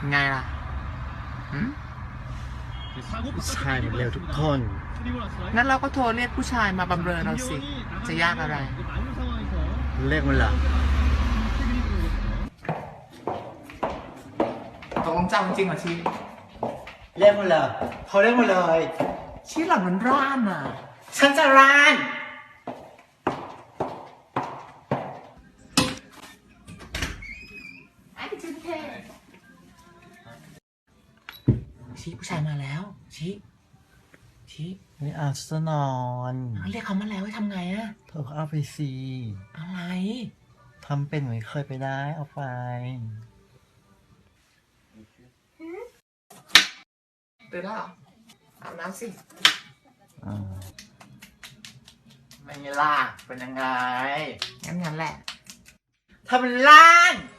ไงล่ะผู้ชายมันเร็วทุกคนงั้นเราก็โทรเรียกผู้ชายมาบำเรอเราสิ จะยากอะไรเรียกมันเหรอตกลงเจ้าจริงเหรอชีเรียกมันเหรอเขาเรียกมันเลยชีหลังมันร้านอ่ะฉันจะร้านไอ้จินเทชีผู้ชายมาแล้วชีไม่เอาฉันจะนอนเรียกเขามาแล้วให้ทำไงอะเธอก็เอาไปสิอะไรทำเป็นเหมือนเคยไปได้เอาไปตื่นแล้วเหรออาบน้ำสิไม่ล่ะเป็นยังไงงั้นแหละทำเป็นล้าน